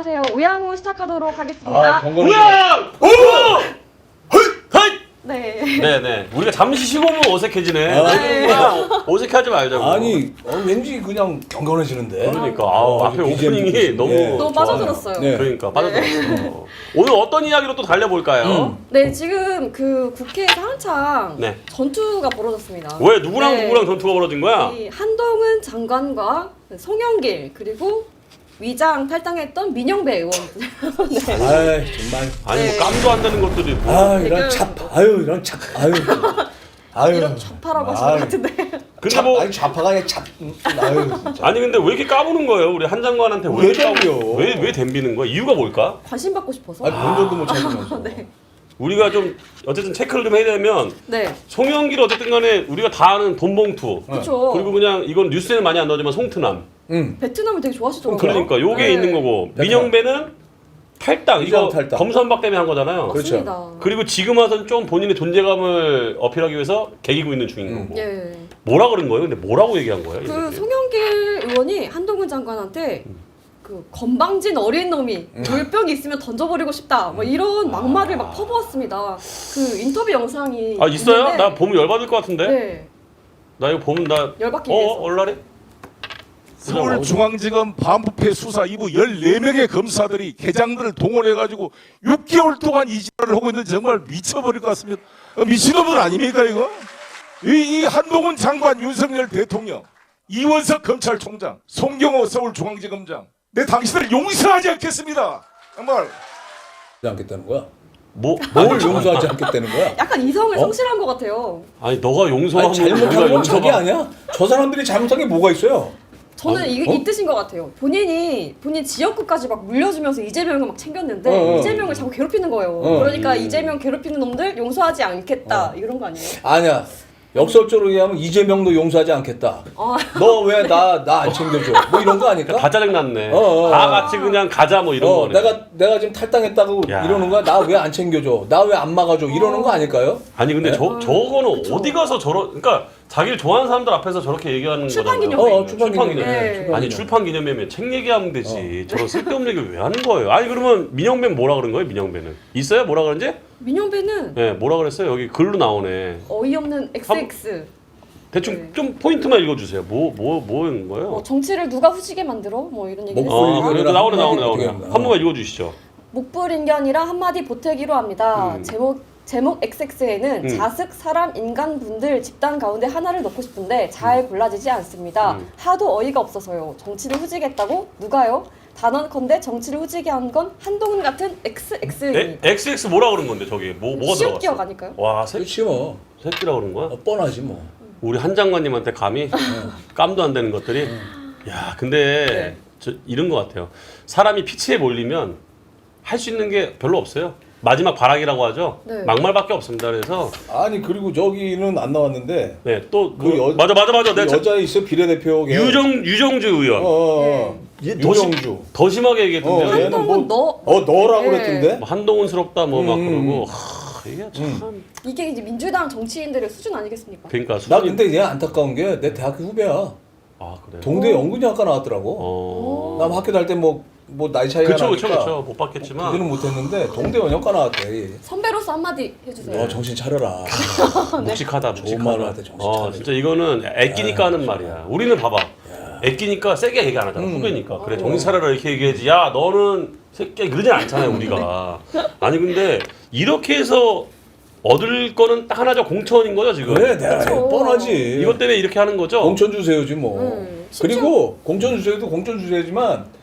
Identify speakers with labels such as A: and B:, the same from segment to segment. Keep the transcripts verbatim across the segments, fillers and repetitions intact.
A: 안녕하세요. 우양우 시작하도록 하겠습니다.
B: 아, 건강해.
C: 우양! 오! 헐!
A: 네.
C: 네네. 우리가 잠시 쉬고 오면 어색해지네.
B: 아,
A: 네.
C: 그냥 어색하지 말자고.
B: 아니, 어, 왠지 그냥 경건해지는데.
C: 그러니까 아우,
B: 아,
C: 앞에
B: 비지엠
C: 오프닝이
B: 듣고
C: 너무
B: 네.
A: 너무
C: 좋아요.
A: 빠져들었어요.
B: 네.
C: 그러니까 빠져들었어. 오늘 어떤 이야기로 또 달려볼까요?
B: 음.
A: 네, 지금 그 국회에서 한창
C: 네.
A: 전투가 벌어졌습니다.
C: 왜 누구랑
A: 네.
C: 누구랑 전투가 벌어진 거야?
A: 이 한동훈 장관과 송영길 그리고 위장 탈당했던 민영배 의원들. 네.
B: 아이, 정말.
C: 아니
A: 네.
C: 뭐 깜도 안 되는 것들이 뭐.
B: 아, 이런
A: 지금-
B: 잡, 아유, 이런 잡, 아유. 아유.
A: 이런 좌파라고 하신 것
B: 아유.
A: 같은데.
C: 근데
B: 잡,
C: 뭐
B: 아니, 좌파가 아니라 잡, 음, 아유, 진짜.
C: 아니 근데 왜 이렇게 까부는 거예요? 우리 한 장관한테 왜
B: 왜
C: 이렇게 까부-
B: 덤벼?
C: 왜, 왜 덤비는 거야? 이유가 뭘까?
A: 관심 받고 싶어서.
B: 아니, 본전도 못 찾으면서.
A: 네.
C: 우리가 좀 어쨌든 체크를 좀 해야 되면
A: 네.
C: 송영길 어쨌든 간에 우리가 다 아는 돈봉투
A: 그렇죠.
C: 그리고 그냥 이건 뉴스에는 많이 안 나오지만 송트남
B: 응.
A: 베트남을 되게 좋아하시더라고요.
C: 그러니까 요게
A: 네.
C: 있는 거고
B: 베트남.
C: 민영배는 탈당 이거
B: 위장 탈당.
C: 검선박 때문에 한 거잖아요.
B: 그렇죠.
A: 맞습니다.
C: 그리고 지금 와서는 좀 본인의 존재감을 어필하기 위해서 개기고 있는 중인
B: 음.
C: 거고.
A: 예.
C: 뭐라 그런 거예요? 근데 뭐라고 얘기한 거예요?
A: 그
C: 이렇게?
A: 송영길 의원이 한동훈 장관한테 그 건방진 어린 놈이
B: 음.
A: 물병이 있으면 던져버리고 싶다 뭐 이런 막말을 막 퍼부었습니다. 그 인터뷰 영상이
C: 아 있어요?
A: 있는데
C: 나 보면 열받을 것 같은데.
A: 네
C: 나 이거 보면 나
A: 열받기
C: 어?
A: 위해서.
C: 얼라래?
D: 서울중앙지검 반부패 수사 이 부 열네 명의 검사들이 계장들을 동원해가지고 육 개월 동안 이 짓을 하고 있는데 정말 미쳐버릴 것 같습니다. 어, 미친놈들 아닙니까 이거? 이, 이 한동훈 장관, 윤석열 대통령, 이원석 검찰총장, 송경호 서울중앙지검장, 내 당신을 용서하지 않겠습니다. 정말.
B: 하지 않겠다는 거야?
C: 뭐?
B: 뭘
C: 아니,
B: 용서하지 않겠다는 거야?
A: 약간 이성을
B: 어?
A: 성실한 것 같아요.
C: 아니 너가 용서하면
B: 아니, 잘못한
C: 우리가
B: 건 자기
C: 용서가
B: 아니야? 저 사람들이 잘못한 게 뭐가 있어요?
A: 저는
B: 아니,
A: 이,
B: 어?
A: 이 뜻인 것 같아요. 본인이 본인 지역구까지 막 물려주면서 이재명을 막 챙겼는데
B: 어, 어.
A: 이재명을 자꾸 괴롭히는 거예요.
B: 어.
A: 그러니까
C: 음.
A: 이재명 괴롭히는 놈들 용서하지 않겠다 이런 거 아니에요?
B: 아니야. 역설적으로 얘기하면 이재명도 용서하지 않겠다.
A: 아,
B: 너 왜 나 나 안 챙겨줘? 뭐 이런 거 아닐까?
C: 다 짜증났네.
B: 어, 어,
C: 다
B: 어.
C: 같이 그냥 가자 뭐 이런
B: 어,
C: 거네.
B: 내가 내가 지금 탈당했다고
C: 야.
B: 이러는 거야? 나 왜 안 챙겨줘? 나 왜 안 막아줘? 이러는 거 아닐까요?
C: 아니 근데
B: 네?
C: 저 저거는
A: 그쵸.
C: 어디 가서 저런 그러니까 자기를 좋아하는 사람들 앞에서 저렇게 얘기하는
A: 출판
C: 거잖아요.
A: 기념회.
B: 어, 어, 출판
C: 출판
B: 기념회.
C: 기념회.
A: 네.
B: 출판
C: 아니
B: 기념회.
C: 출판 기념회면 책 얘기하면 되지. 저런 쓸데없는 얘기 왜 하는 거예요? 아니 그러면 민영배는 뭐라 그런 거예요? 민영배는 있어요? 뭐라 그런지?
A: 민영배는
C: 네, 뭐라 그랬어요? 여기 글로 나오네.
A: 어이없는 엑스엑스.
C: 대충
A: 네.
C: 좀 포인트만 읽어주세요. 뭐 뭐 뭐인 거예요?
A: 뭐 정치를 누가 후지게 만들어? 뭐 이런 얘기
B: 목-
A: 했어요.
C: 어,
B: 이거를
C: 그래도 나오네 나오네
B: 한마디
C: 나오네.
B: 어떻게
C: 한 번만 읽어주시죠.
A: 목불인견이라 한마디 보태기로 합니다.
C: 음.
A: 제목 제목 엑스엑스에는
C: 음.
A: 자식, 사람, 인간분들 집단 가운데 하나를 넣고 싶은데 잘 골라지지 않습니다.
C: 음.
A: 하도 어이가 없어서요. 정치를 후지겠다고? 누가요? 단언컨대 정치를 후지게 한 건 한동훈 같은
C: 에,
A: 엑스엑스입니다.
C: 엑스엑스 뭐라 그런 건데 저기 뭐 뭐가
A: 시옷
C: 들어갔어?
A: 기억 아닐까요?
C: 와 새,
B: 그렇지 뭐.
C: 새끼라 그런 거야?
B: 어, 뻔하지 뭐.
C: 우리 한 장관님한테 감히 깜도 안 되는 것들이 야 근데
A: 네.
C: 저 이런 것 같아요. 사람이 피치에 몰리면 할 수 있는 게 별로 없어요. 마지막 발악이라고 하죠.
A: 네.
C: 막말밖에 없습니다. 그래서
B: 아니 그리고 저기는 안 나왔는데
C: 네 또
B: 그 여-
C: 맞아 맞아 맞아
B: 그
C: 내가
B: 여자 있어 비례대표 걔.
C: 유정 유정주 의원
B: 어, 어, 어.
C: 얘 더, 심,
B: 유정주.
C: 더 심하게 얘기했던데요.
B: 어, 얘는
A: 한동훈
B: 뭐-
A: 너
B: 어 너라고
A: 네.
B: 그랬던데.
C: 뭐 한동훈스럽다 뭐 막
B: 음.
C: 그러고 하, 이게 참
A: 이게 이제 민주당 정치인들의 수준 아니겠습니까?
C: 그러니까
B: 나
C: 수준이-
B: 근데 얘 안타까운 게 내 대학교 후배야.
C: 아 그래.
B: 동대 연극영화과 나왔더라고.
C: 어.
B: 나 학교 다닐 때 뭐 뭐 나이 차이가
C: 그쵸
B: 나니까
C: 그쵸 그쵸 못 받겠지만
B: 그거는 못했는데 동대 연극과 나왔대.
A: 선배로서 한마디 해주세요.
B: 너 정신 차려라.
C: 묵직하다
B: 좋은
C: 묵직하다.
B: 말을 하대, 정신
C: 어
B: 차려.
C: 진짜 이거는 애끼니까 하는 말이야. 우리는 봐봐. 애끼니까 세게 얘기 안 하잖아.
B: 음.
C: 후배니까. 그래 정신 차려라 이렇게 얘기하지. 야 너는 새끼야 그러진 않잖아요 우리가. 아니 근데 이렇게 해서 얻을 거는 딱 하나죠. 공천인 거죠 지금.
B: 그래 내가
A: 그쵸.
B: 뻔하지.
C: 이것 때문에 이렇게 하는 거죠.
B: 공천 주세요지 뭐.
A: 음, 심지어-
B: 그리고 공천 주세요도 공천 주세요지만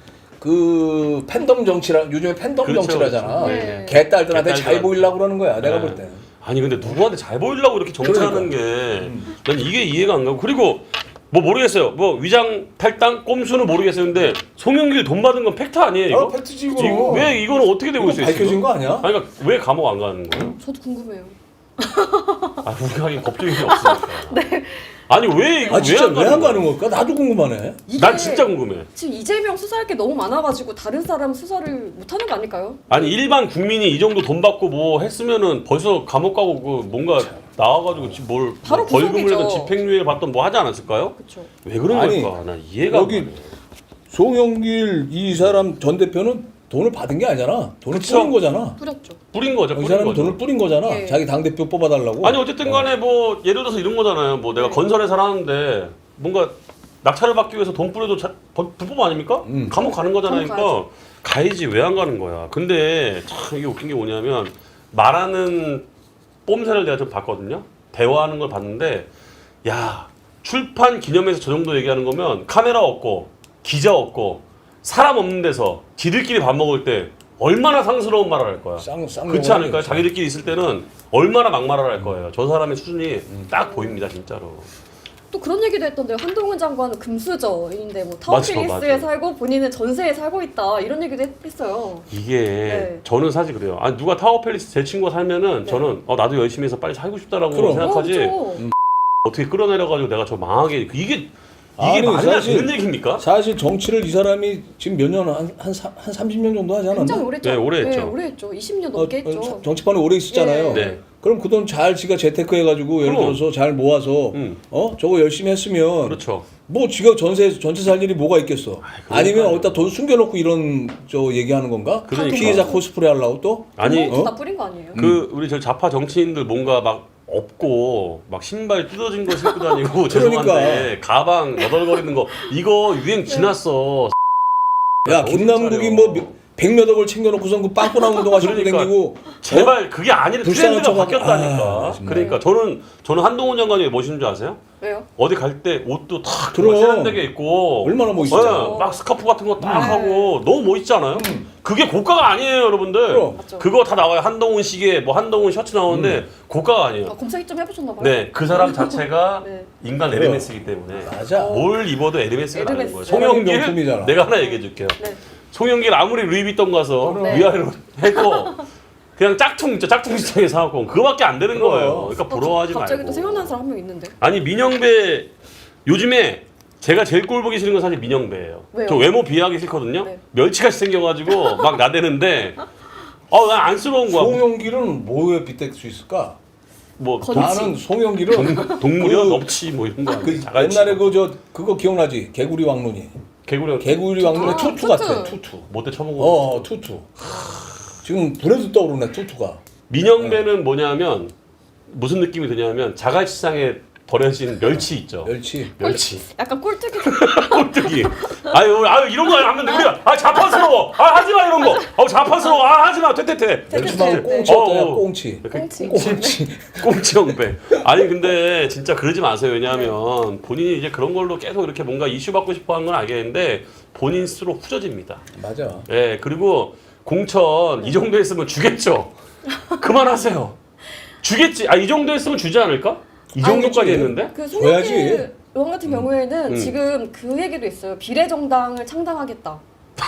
B: 그 팬덤 정치라 요즘에 팬덤
C: 그렇죠,
B: 정치라잖아.
C: 그렇죠.
A: 네.
B: 개딸들한테 잘
C: 개딸들한테.
B: 보이려고 그러는 거야. 내가
C: 네.
B: 볼 때는.
C: 아니 근데 누구한테 잘 보이려고 이렇게 정치하는
B: 그러니까.
C: 게 난 이게 이해가 안 가고 그리고 뭐 모르겠어요. 뭐 위장 탈당 꼼수는 모르겠어요. 근데 송영길 돈 받은 건 팩트 아니에요 이거?
B: 아, 팩트지 이거.
C: 이거 왜 이거는 어떻게 되고
B: 이거
C: 있어요?
B: 밝혀진
C: 지금?
B: 거 아니야?
C: 아니 그러니까 왜 감옥 안 가는 거예요?
A: 저도 궁금해요.
C: 아 우리가 하긴 법적인 게 없으니까. 네. 아니 왜 이거
B: 아 진짜 왜 안 가는
C: 거야?
B: 걸까? 나도 궁금하네.
A: 이게
C: 난 진짜 궁금해.
A: 지금 이재명 수사할 게 너무 많아가지고 다른 사람 수사를 못하는 거 아닐까요?
C: 아니 일반 국민이 이 정도 돈 받고 뭐 했으면은 벌써 감옥 가고 그 뭔가 나와가지고 지- 뭘
A: 바로
C: 뭐 벌금을
A: 구속이죠.
C: 내든 집행유예를 받던 뭐 하지 않았을까요?
A: 그렇죠.
C: 왜 그런
B: 아니,
C: 걸까? 난 이해가
B: 여기
C: 안 가네.
B: 송영길 이 사람 전 대표는 돈을 받은 게 아니잖아. 돈을
C: 그쵸.
B: 뿌린 거잖아.
A: 뿌렸죠.
C: 뿌린 거죠.
B: 이
C: 뿌린
B: 사람은
C: 거죠.
B: 돈을 뿌린 거잖아.
A: 예.
B: 자기 당 대표 뽑아달라고.
C: 아니 어쨌든 간에 뭐 예를 들어서 이런 거잖아요. 뭐 내가
A: 네.
C: 건설회사를 하는데 뭔가 낙찰을 받기 위해서 돈 뿌려도 자, 법- 불법 아닙니까?
B: 음.
C: 감옥 가는 거잖아요.
A: 감옥
C: 그러니까 가야지 왜 안 가는 거야. 근데 참 이게 웃긴 게 뭐냐면 말하는 뽐새를 내가 좀 봤거든요. 대화하는 걸 봤는데 야 출판 기념회에서 저 정도 얘기하는 거면 카메라 없고 기자 없고 사람 없는 데서 지들끼리 밥 먹을 때 얼마나 상스러운 말을 할 거야.
B: 쌍, 쌍
C: 그렇지
B: 영혼이
C: 않을까요?
B: 있어.
C: 자기들끼리 있을 때는 얼마나 막말을 할 거예요. 저 사람의 수준이 딱 보입니다, 진짜로.
A: 또 그런 얘기도 했던데요. 한동훈 장관은 금수저인데 뭐
C: 맞아,
A: 타워필리스에
C: 맞아.
A: 살고 본인은 전세에 살고 있다 이런 얘기도 했, 했어요.
C: 이게
A: 네.
C: 저는 사실 그래요. 아 누가 타워팰리스 제 친구가 살면은
A: 네.
C: 저는 어 나도 열심히 해서 빨리 살고 싶다라고
B: 그럼.
C: 생각하지.
A: 어, 그쵸.
C: 어떻게 끌어내려가지고 내가 저 망하게 이게 이게
B: 아니,
C: 말이 안
B: 사실-
C: 되는 얘기입니까?
B: 사실 정치를 이 사람이 지금 몇 년, 한, 한, 사- 한 삼십 년 정도 하지
A: 굉장히
B: 않았나?
A: 오래 했죠.
C: 네, 오래 했죠.
A: 네, 오래 했죠. 이십 년
B: 어,
A: 넘게
B: 어,
A: 했죠.
B: 사- 정치판에 오래 있었잖아요.
A: 예.
C: 네.
B: 그럼 그 돈 잘 지가 재테크 해가지고 예를
C: 그럼.
B: 들어서 잘 모아서
C: 음.
B: 어 저거 열심히 했으면
C: 그렇죠.
B: 뭐 지가 전세 전체 살 일이 뭐가 있겠어? 아니면
C: 그러니까요.
B: 어디다 돈 숨겨놓고 이런 저 얘기하는 건가?
C: 그러니까.
B: 피해자 코스프레 하려고 또?
C: 아니
A: 뭐
B: 어?
A: 다 뿌린 거 아니에요?
C: 그 우리 저 좌파 정치인들 뭔가 막 없고 막 신발 뜯어진 거 신고 다니고 죄송한데 가방 너덜거리는 거 이거 유행 지났어.
B: 야
C: 정신
B: 김남국이
C: 차려.
B: 뭐 백몇억을 을 챙겨놓고선 그 빵꾸난 운동화 신고
C: 그러니까.
B: 다니고
C: 제발 그게 아니라
B: 불쌍한
C: 트렌드가
B: 척하고-
C: 바뀌었다니까.
B: 아, 정말.
C: 그러니까 저는 저는 한동훈 장관이 왜 멋있는 줄 아세요?
A: 왜요?
C: 어디 갈 때 옷도 탁
B: 그럼.
C: 세련되게 입고
B: 얼마나 멋있죠.
C: 네, 막 스카프 같은 거 딱
A: 네.
C: 하고 너무 멋있지 않아요? 그게 고가가 아니에요, 여러분들.
B: 그럼.
A: 맞죠.
C: 그거 다 나와요. 한동훈 시계, 뭐 한동훈 셔츠 나오는데 고가가 아니에요.
A: 아, 검색 좀 해보셨나 봐요.
C: 네, 그 사람 자체가
A: 네.
C: 인간 에르메스이기 때문에
B: 맞아.
C: 뭘 입어도 에르메스가 나는
A: 에르메스.
C: 거예요.
B: 사람이
C: 송영길
B: 명품이잖아.
C: 내가 하나 얘기해 줄게요.
A: 네.
C: 송영길 아무리 루이비통 가서
A: 네.
C: 위아래로 해도 그냥 짝퉁 있죠. 짝퉁 시장에 사갖고 그거밖에 안 되는
B: 그럼.
C: 거예요. 그러니까 부러워하지
A: 어, 갑자기
C: 말고.
A: 또 생각나는 사람 한 명 있는데.
C: 아니 민영배 요즘에 제가 제일 꼴 보기 싫은 건 사실 민영배예요.
A: 왜요?
C: 저 외모 비하기 싫거든요.
A: 네.
C: 멸치같이 생겨가지고 막 나대는데 어난 안쓰러운 거야.
B: 송영길은 뭐에 빗댈 수 있을까?
C: 뭐
A: 거지.
B: 나는 송영길은
C: 동, 동물이야
B: 그-
C: 넙치 뭐 이런 거 아니야?
B: 그
C: 자갈치.
B: 옛날에 그 저 그거 기억나지? 개구리 왕눈이.
C: 개구리
B: 개구리 왕눈의
A: 아,
B: 투투
A: 투투.
B: 같아. 투투.
C: 못돼 쳐먹어.
B: 어, 투투. 지금 불에도 떠오르네 투투가.
C: 민영배는 뭐냐면 무슨 느낌이 드냐면 자갈치상에 버려진 멸치 있죠.
B: 멸치.
C: 멸치.
A: 약간 꼴뚜기.
C: 꼴뚜기. 아유, 아유 이런 거 하면 우리가 아 자판스러워. 아 하지 마 이런 거. 아 자판스러워. 아 하지 마. 퇴퇴퇴.
B: 멸치만
A: 네.
B: 꽁치 어때요?
C: 어, 어.
B: 꽁치.
A: 꽁치.
B: 꽁치.
C: 꽁치 형배. 아니 근데 진짜 그러지 마세요. 왜냐하면 본인이 이제 그런 걸로 계속 이렇게 뭔가 이슈 받고 싶어 하는 건 알겠는데 본인 스스로 후져집니다.
B: 맞아.
C: 예, 그리고 공천 이 정도 했으면 주겠죠. 그만하세요. 주겠지. 아 이 정도 했으면 주지 않을까? 이 정도까지
B: 아니지.
C: 했는데?
A: 그
B: 줘야지.
A: 송영길 의원 같은 경우에는
C: 음.
A: 지금 그 얘기도 있어요. 비례정당을 창당하겠다.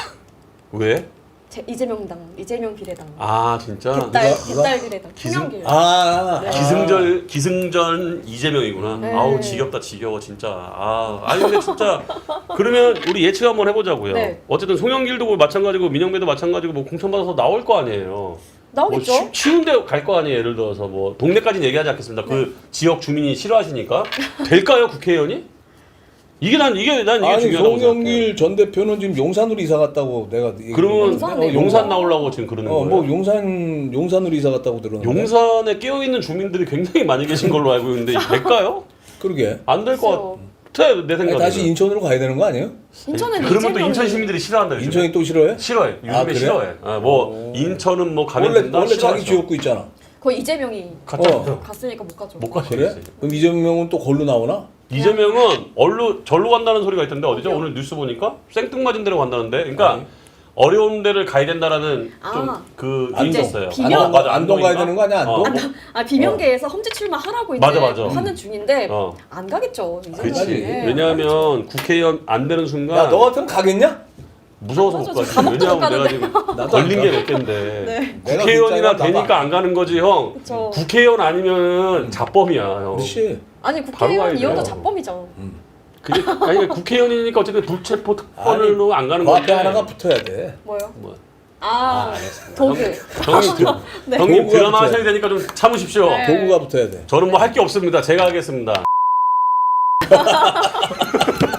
C: 왜?
A: 제, 이재명당, 이재명 비례당.
C: 아 진짜.
A: 개딸,
B: 누가- 누가?
A: 개딸 비례당.
C: 기승-
A: 송영길.
B: 아.
A: 네.
C: 기승전 기승전 이재명이구나.
A: 네.
C: 아우 지겹다 지겨워 진짜. 아 아니 근데 진짜 그러면 우리 예측 한번 해보자고요.
A: 네.
C: 어쨌든 송영길도 뭐 마찬가지고 민영배도 마찬가지고 뭐 공천 받아서 나올 거 아니에요.
A: 나오겠죠?
C: 뭐 쉬, 쉬운 데 갈 거 아니에요. 예를 들어서 뭐 동네까지는 얘기하지 않겠습니다.
A: 네.
C: 그 지역 주민이 싫어하시니까 될까요 국회의원이? 이게 난 이게 난 이게
B: 아니
C: 중요하다고 생각해.
B: 송영길 전 대표는 지금 용산으로 이사 갔다고 내가 얘기
C: 그러면
A: 용산에
C: 용산 나오려고 지금 그러는 거예요.
B: 어뭐 용산 용산으로 이사 갔다고 들었는데.
C: 용산에 깨어 있는 주민들이 굉장히 많이 계신 걸로 알고 있는데 될까요?
B: 그러게.
C: 안 될 것
A: 글쎄요.
C: 같아 내
B: 아니,
C: 생각에.
B: 다시 인천으로 가야 되는 거 아니에요?
A: 인천은
C: 그러면 또
A: 이재명이-
C: 인천 시민들이 싫어한다. 요즘에.
B: 인천이 또 싫어해?
C: 싫어해. 요즘에
B: 아, 그래?
C: 싫어해. 아, 뭐
B: 오.
C: 인천은 뭐 가면
B: 원래
C: 된다.
B: 원래 자기
C: 싫어하죠.
B: 지역구 있잖아.
A: 거의 이재명이
C: 갔잖아요.
B: 어.
A: 갔으니까 못 가죠.
C: 못 가죠.
B: 그래? 그럼 이재명은 또 걸로 나오나?
C: 이재명은 얼로 절로 간다는 소리가 있던데 어디죠?
A: 어디요?
C: 오늘 뉴스 보니까 생뚱맞은 데로 간다는데. 그러니까
B: 아니.
C: 어려운 데를 가야 된다라는
A: 아.
C: 좀 그
B: 안동.
C: 게 있어요.
A: 비명-
B: 안동,
C: 맞아,
B: 안동 가야
C: 안동인가?
B: 되는 거 아니야? 안동?
C: 어.
A: 아 비명계에서 험지 출마하라고 이제
C: 맞아, 맞아.
A: 하는 중인데
C: 어.
A: 안 가겠죠. 이재명이.
B: 가지.
A: 네,
C: 왜냐하면 국회의원 안 되는 순간
B: 야, 너 같으면 가겠냐?
C: 무서워서 못
A: 맞아,
C: 가지.
A: 저 감옥도
C: 왜냐하면
A: 못
C: 내가
A: 가는데.
C: 지금
B: 나도
C: 걸린
B: 안
C: 게
B: 가.
C: 몇 개인데
A: 네.
B: 내가
C: 국회의원이라
B: 진짜야,
C: 되니까
B: 나도
C: 안 가는 거지 형.
A: 그쵸.
C: 국회의원 아니면 자범이야 형.
B: 그렇지.
A: 아니
C: 바로
A: 국회의원이어도
C: 가야 돼요.
A: 자범이죠.
C: 그게 아니 국회의원이니까 어쨌든 불체포 특권으로 안 가는
B: 그 앞에
C: 건데.
B: 하나가 붙어야 돼.
A: 뭐요?
C: 뭐.
A: 아,
C: 알겠습니다.
A: 도구.
C: 형님, 드,
A: 네.
C: 형님
B: 도구가
C: 드라마
B: 붙어요.
C: 하셔야 되니까 좀 참으십시오.
A: 네.
B: 도구가 붙어야 돼.
C: 저는 뭐 할 게 없습니다. 제가 하겠습니다.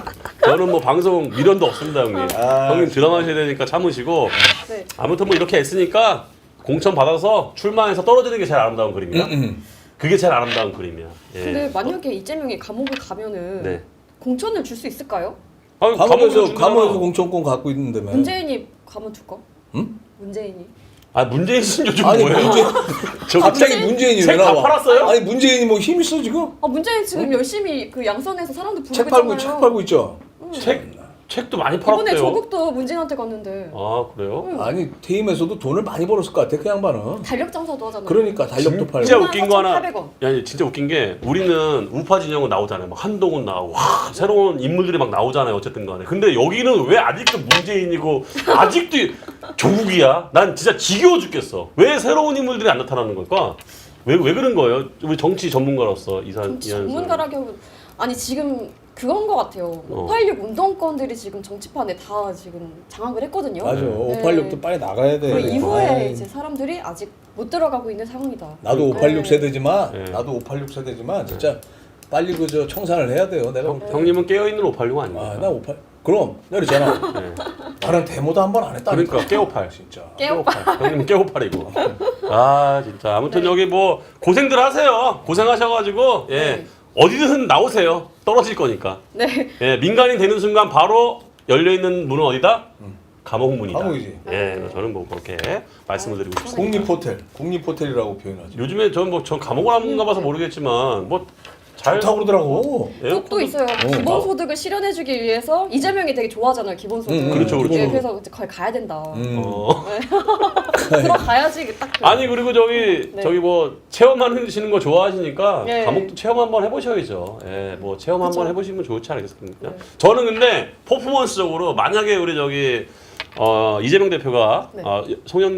C: 저는 뭐 방송 미련도 없습니다, 형님.
B: 아,
C: 형님 드라마 하셔야 되니까 참으시고.
A: 네.
C: 아무튼 뭐 이렇게 애쓰니까 공천 받아서 출마해서 떨어지는 게 제일 아름다운 그림이야.
B: 음, 음.
C: 그게 제일 아름다운 그림이야. 예.
A: 근데 만약에 이재명이 감옥을 가면은
C: 네.
A: 공천을 줄 수 있을까요?
C: 아니,
B: 감옥에서
C: 준다잖아.
B: 감옥에서 공천권 갖고 있는데만.
A: 문재인이 가면 줄까?
B: 응?
A: 문재인이.
C: 아 문재인 씨는 요즘
B: 아니
C: 뭐예요?
B: 문재
C: 저
B: 갑자기
C: 책-
B: 문재인이 왜
C: 책 다
B: 나와?
C: 팔았어요?
B: 아니 문재인이 뭐 힘 있어 지금?
A: 아 문재인 지금 열심히 그 양선에서 사람들 부르고
B: 책 팔고
A: 있잖아요.
B: 책 팔고 있죠.
C: 책 책도 많이
A: 이번에
C: 팔았대요.
A: 조국도 문재인한테 갔는데
C: 아 그래요?
A: 응.
B: 아니 퇴임에서도 돈을 많이 벌었을 것 같아 그 양반은.
A: 달력 장사도 하잖아요.
B: 그러니까 달력도 팔고.
C: 진짜 웃긴 거 하나.
A: 사천팔백 원.
C: 야, 진짜 웃긴 게 우리는 우파 진영은 나오잖아요. 막 한동훈 나오고 와, 새로운 인물들이 막 나오잖아요. 어쨌든 간에. 근데 여기는 왜 아직도 문재인이고 아직도 조국이야? 난 진짜 지겨워 죽겠어. 왜 새로운 인물들이 안 나타나는 걸까? 왜 왜 그런 거예요? 우리 정치 전문가로서 이사
A: 정치
C: 이한수.
A: 전문가라고 아니 지금 그건 것 같아요.
C: 어.
A: 오팔육 운동권들이 지금 정치판에 다 지금 장악을 했거든요.
B: 맞아.
A: 네.
B: 오팔육도 빨리 나가야 돼.
A: 그 이후에
B: 아이,
A: 이제 사람들이 아직 못 들어가고 있는 상황이다.
B: 나도
A: 네.
B: 오팔육 세대지만
C: 네.
B: 나도 오팔육 세대지만 진짜 빨리 그저 청산을 해야 돼요. 내가.
C: 형, 형님은 깨어 있는 오팔육 아닙니까?
B: 아, 나 오팔. 그럼 내가 그랬잖아.
C: 네.
B: 나는 데모도 한 번 안 했다.
C: 그러니까 깨오팔.
B: 진짜.
A: 깨오빠.
C: 형님은 깨오팔이고. 아 진짜 아무튼 여기 뭐 고생들 하세요. 고생하셔가지고 예
A: 네.
C: 어디든 나오세요. 떨어질 거니까.
A: 네.
C: 예 민간인 되는 순간 바로 열려 있는 문은 어디다? 감옥문이다.
B: 감옥이지.
C: 예 저는 뭐 그렇게 말씀을 드리고 싶습니다.
B: 국립호텔, 국립호텔이라고 표현하죠.
C: 요즘에 저는 뭐전 감옥을 안 가봐서 모르겠지만 뭐 잘
B: 좋다고 그러더라고.
A: 또, 또 있어요. 기본소득을 실현해주기 위해서 이재명이 되게 좋아하잖아요. 기본소득.
B: 음, 음,
C: 그렇죠, 그렇죠.
A: 네, 그래서 이제 거기 가야 된다.
B: 음.
C: 어.
A: 들어가야지 딱. 그-
C: 아니 그리고 저기
A: 네.
C: 저기 뭐 체험하시는 거 좋아하시니까
A: 네.
C: 감옥도 체험 한번 해보셔야죠. 예, 뭐 체험
A: 그쵸.
C: 한번 해보시면 좋지 않겠습니까?
A: 네.
C: 저는 근데 퍼포먼스적으로 만약에 우리 저기 어, 이재명 대표가
A: 네.
C: 어,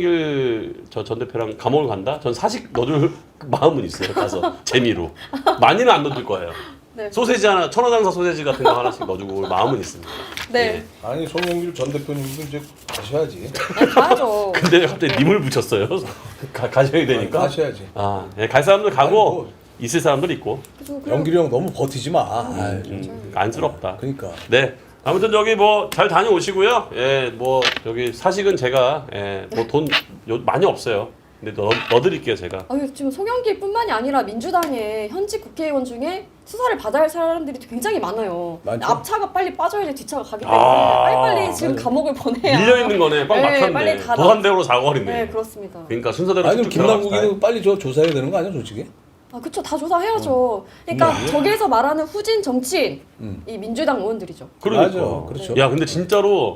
C: 송영길 저 전 대표랑 감옥을 간다? 전 사직 넣어줄 마음은 있어요. 가서 재미로 많이는 안 넣어줄 거예요.
A: 네.
C: 소세지 하나 천하장사 소세지 같은 거 하나씩 넣어주고 올 마음은 있습니다.
A: 네.
B: 아니 송영길 전 대표님도 이제 가셔야지.
A: 네, 가야죠.
C: 근데 갑자기 님을 붙였어요. 가, 가셔야 되니까.
B: 가셔야지.
C: 아, 예, 갈 사람들 가고
B: 아니, 뭐.
C: 있을 사람들 있고.
A: 그래서 그냥
B: 영길이 형 너무 버티지 마. 아이,
C: 음, 안쓰럽다.
B: 그러니까.
C: 네. 아무튼 저기 뭐 잘 다녀오시고요. 예, 뭐 여기 사식은 제가 예, 뭐 돈 많이 없어요. 근데 넣, 넣어드릴게요 제가.
A: 아유, 지금 송영길뿐만이 아니라 민주당의 현직 국회의원 중에 수사를 받아야 할 사람들이 굉장히 많아요.
B: 많죠?
A: 앞차가 빨리 빠져야지 뒤차가 가기 때문에
C: 아,
A: 빨리빨리 지금 감옥을 보내야.
C: 밀려 있는 거네. 빵
A: 네,
C: 막혔네.
A: 빨리 다
C: 도산대로 사거리네.
A: 네, 그렇습니다.
C: 그러니까 순서대로
B: 아니 그럼
C: 쭉쭉 들어갑시다.
B: 김남국이는 빨리 저 조사해야 되는 거 아니야 솔직히?
A: 아, 그쵸. 다 조사해야죠. 그러니까
B: 음.
A: 저기에서 말하는 후진 정치인,
B: 음.
A: 이 민주당 의원들이죠.
C: 그러니까.
B: 맞아, 그렇죠.
C: 야, 근데 진짜로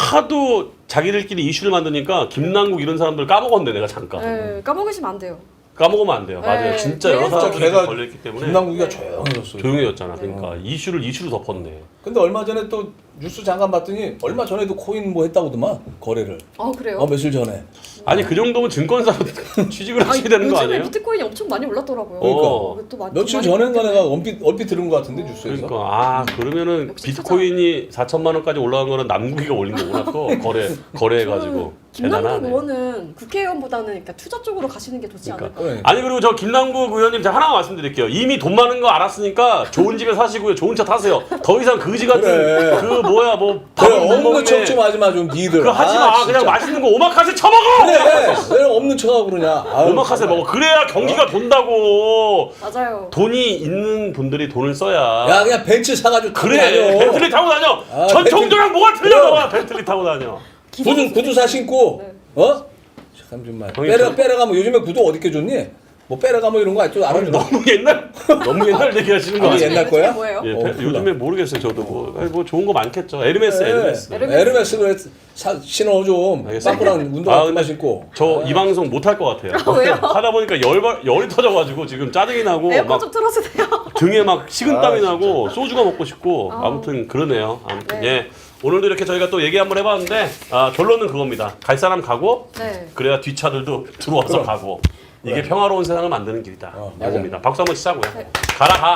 C: 하도 자기들끼리 이슈를 만드니까 김남국 이런 사람들 까먹었네 내가 잠깐.
A: 네, 까먹으시면 안 돼요.
C: 까먹으면 안 돼요. 맞아요.
A: 네,
C: 진짜 여러
A: 그래서
C: 사람들이
B: 걔가
C: 걸려있기 때문에
B: 김남국이가
A: 네.
B: 조용해졌어요.
C: 조용해졌잖아. 그러니까 이슈를 이슈로 덮었네.
B: 근데 얼마 전에 또 뉴스 잠깐 봤더니 얼마 전에도 코인 뭐 했다고더만 거래를.
A: 아, 그래요?
B: 어 며칠 전에.
C: 아니 그 정도면 증권사 취직을 하셔야
A: 아니,
C: 되는 거
A: 요즘에
C: 아니에요?
A: 비트코인이 엄청 많이 올랐더라고요.
C: 어.
A: 또 많이-
B: 며칠
A: 많이
B: 전인가
A: 올랐기
B: 내가 얼핏 얼핏 들은 것 같은데 뉴스에서.
C: 그러니까 아 그러면은
A: 역시
C: 비트코인이 사천만 원까지 올라간 거는 남국이가 올린 거구나 또 거래 거래해가지고
A: 김남국
C: 대단하네.
A: 의원은 국회의원보다는 그러니까 투자 쪽으로 가시는 게 좋지
C: 그러니까.
A: 않을까?
B: 그래.
C: 아니 그리고 저 김남국 의원님 제가 하나 말씀드릴게요. 이미 돈 많은 거 알았으니까 좋은 집에 사시고요. 좋은 차 타세요. 더 이상 그지 같은
B: 그래.
C: 그 뭐야 뭐
B: 그래
C: 밥은 못
B: 없는
C: 먹네.
B: 척 좀 하지 마 좀 니들.
C: 그거 하지
B: 아,
C: 마.
B: 진짜.
C: 그냥 맛있는 거 오마카세 처먹어.
B: 그래. 왜 없는 척하고 그러냐. 아유,
C: 오마카세
B: 정말.
C: 먹어. 그래야 경기가 돈다고.
A: 맞아요.
C: 돈이 있는 분들이 돈을 써야.
B: 야 그냥 벤츠 사가지고 타고
C: 그래.
B: 다녀.
C: 벤틀리 타고 다녀.
B: 아,
C: 전총조랑 뭐가 틀려?
B: 그럼.
C: 너가 벤틀리 타고 다녀.
B: 구두 구두 사 신고.
A: 네.
B: 어? 참 정말.
C: 형님,
B: 빼려
C: 저-
B: 빼려가면 요즘에 구두 어디게 줬니? 뭐 빼려가면 이런 거 아직도 알아주나?
C: 너무 옛날 너무 옛날 얘기하시는 거
B: 아니,
C: 아니에요?
B: 옛날
A: 요즘에
B: 거야?
A: 뭐예요?
C: 예,
B: 어,
C: 배-
B: 몰라.
C: 요즘에 모르겠어요. 저도 뭐, 아니, 뭐 좋은 거 많겠죠. 에르메스,
B: 네.
C: 에르메스.
A: 에르메스.
B: 에르메스 그래 사, 신어 좀.
C: 알겠습니다.
B: 빵꾸랑 운동화
C: 아,
B: 그만
C: 근데
B: 신고.
C: 저
B: 아.
C: 이 방송 못 할 것 같아요.
A: 아, 왜요?
C: 하다 보니까 열 열이 터져가지고 지금 짜증이 나고
A: 에어컨
C: 막
A: 좀 틀어주세요.
C: 등에 막 식은땀이
B: 아,
C: 나고 소주가 먹고 싶고
A: 아.
C: 아무튼 그러네요. 아무튼
A: 네.
C: 예 오늘도 이렇게 저희가 또 얘기 한번 해봤는데 아, 결론은 그겁니다. 갈 사람 가고
A: 네.
C: 그래야 뒷차들도 들어와서
B: 그럼.
C: 가고 이게
B: 그래.
C: 평화로운 세상을 만드는 길이다.
B: 어, 맞아요.
C: 이겁니다. 박수 한번 치자고요.
A: 네.
C: 가라 가.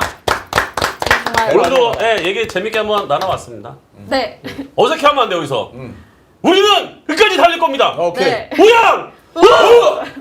A: 정말.
C: 오늘도 예, 얘기 재밌게 한번 나눠봤습니다.
A: 네.
C: 어색해하면 안 돼 여기서.
B: 음.
C: 우리는 끝까지 달릴 겁니다.
B: 오케이.
A: 네.
C: 우양! 우!